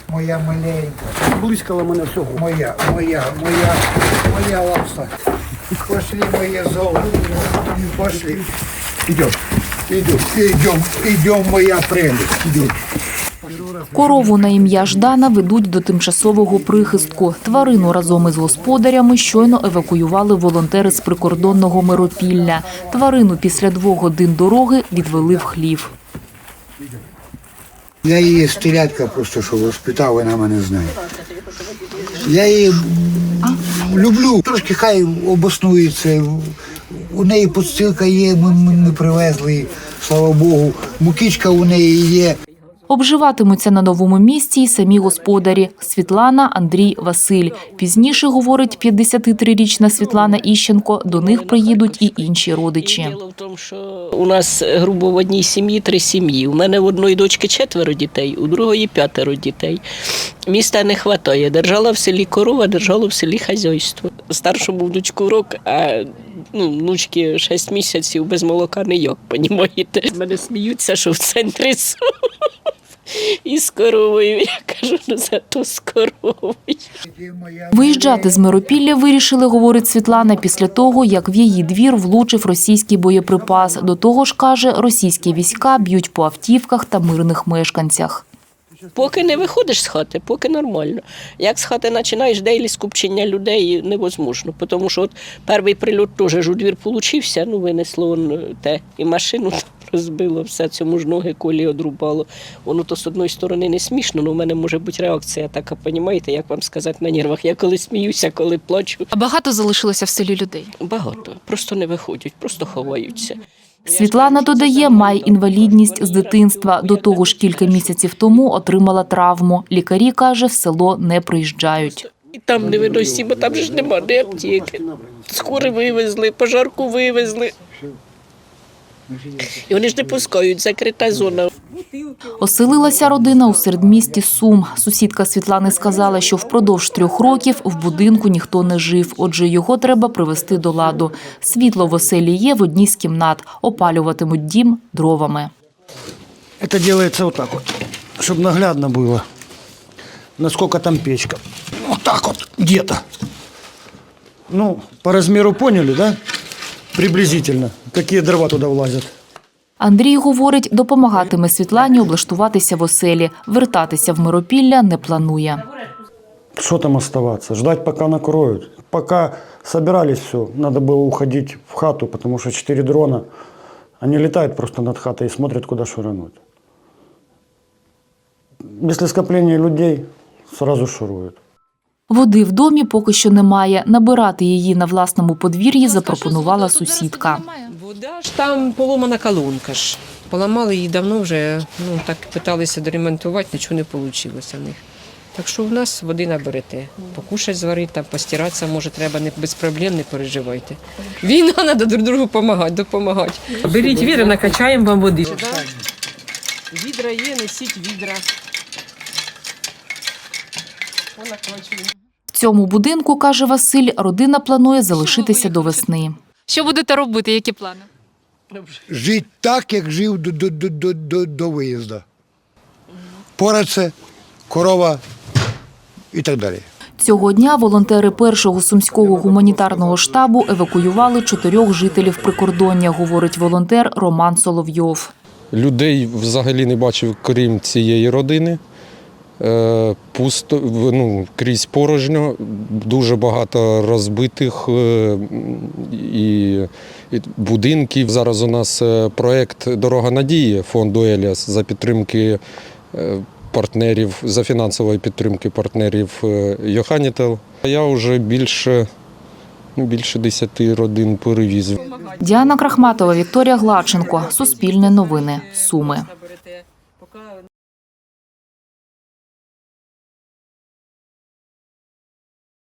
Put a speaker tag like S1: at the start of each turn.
S1: Моя маленька.
S2: Близько мене всього.
S1: Моя лапса. Пошли, моє золото. Пошли. Идем, моя прелесть. Идем.
S3: Корову на ім'я Ждана ведуть до тимчасового прихистку. Тварину разом із господарями щойно евакуювали волонтери з прикордонного Миропілля. Тварину після 2 годин дороги відвели в хлів.
S1: Я її стелядка просто, що воспитав, вона мене знає. Я її люблю. Трошки хай обоснується. У неї подстилка є, ми привезли її, слава Богу. Мукичка у неї є.
S3: Обживатимуться на новому місці й самі господарі – Світлана, Андрій, Василь. Пізніше, говорить 53-річна Світлана Іщенко, до них приїдуть і інші родичі.
S4: Діло в тому, що у нас, грубо, в одній сім'ї 3 сім'ї. У мене в одної дочки 4 дітей, у другої 5 дітей. Міста не вистачає. Держала в селі корова, держала в селі хазяйство. Старшому внучку рок, а внучки 6 місяців без молока ніяк, понімаєте. Мене сміються, що в центрі із коровою. Я кажу, зато з коровою.
S3: Виїжджати з Миропілля вирішили, говорить Світлана, після того, як в її двір влучив російський боєприпас. До того ж, каже, російські війська б'ють по автівках та мирних мешканцях.
S4: Поки не виходиш з хати, поки нормально. Як з хати починаєш, дейлі скупчення людей невозможно. Тому що от перший прильот теж у двір получився, винесло те, і машину розбило, все, цьому ж ноги колі одрубало. Воно то з одної сторони не смішно, але в мене може бути реакція така, розумієте, як вам сказати, на нервах. Я коли сміюся, коли плачу.
S5: А багато залишилося в селі людей?
S4: Багато. Просто не виходять, просто ховаються.
S3: Світлана додає, має інвалідність з дитинства. До того ж, кілька місяців тому отримала травму. Лікарі, каже, в село не приїжджають.
S4: І там не виносі, бо там ж нема де аптеки. Скори вивезли, пожарку вивезли. І вони ж не пускають, закрита зона.
S3: Оселилася родина у середмісті Сум. Сусідка Світлани сказала, що впродовж 3 років в будинку ніхто не жив, отже його треба привести до ладу. Світло в оселі є в одній з кімнат, опалюватимуть дім дровами.
S2: Це робиться отак от, щоб наглядно було, наскільки там печка. Отак от, где-то. По розміру поняли, да? Приблизительно, які дрова туди влазять.
S3: Андрій, говорить, допомагатиме Світлані облаштуватися в оселі. Вертатися в Миропілля не планує.
S2: Що там оставатися? Ждать, поки накроють. Поки збирались все, треба було уходити в хату, тому що 4 дрона, вони літають просто над хатою і смотрять, куди шурануть. Після скоплення людей одразу шурують.
S3: Води в домі поки що немає. Набирати її на власному подвір'ї запропонувала сусідка.
S6: Вода ж там поломана колонка ж. Поламали її давно вже, так питалися доремонтувати, нічого не вийшло в них. Так що в нас води наберете. Покушать зварити, там постиратися, може, треба без проблем, не переживайте. Війна, треба друг другу допомагати. Беріть відра, накачаємо вам води. Відра є, несіть відра.
S3: В цьому будинку, каже Василь, родина планує залишитися до весни.
S5: Що будете робити, які плани?
S1: Жити так, як жив до виїзду. Пораце, корова і так далі.
S3: Цього дня волонтери першого сумського гуманітарного штабу евакуювали 4 жителів прикордоння, говорить волонтер Роман Соловйов.
S7: Людей взагалі не бачив, крім цієї родини. Пусто, крізь порожньо, дуже багато розбитих і будинків. Зараз у нас проєкт «Дорога надії» фонду «Еліас» за підтримки партнерів, за фінансової підтримки партнерів Йоханітел. Я вже більше 10 родин перевіз.
S3: Діана Крахматова, Вікторія Гладченко. Суспільне новини. Суми.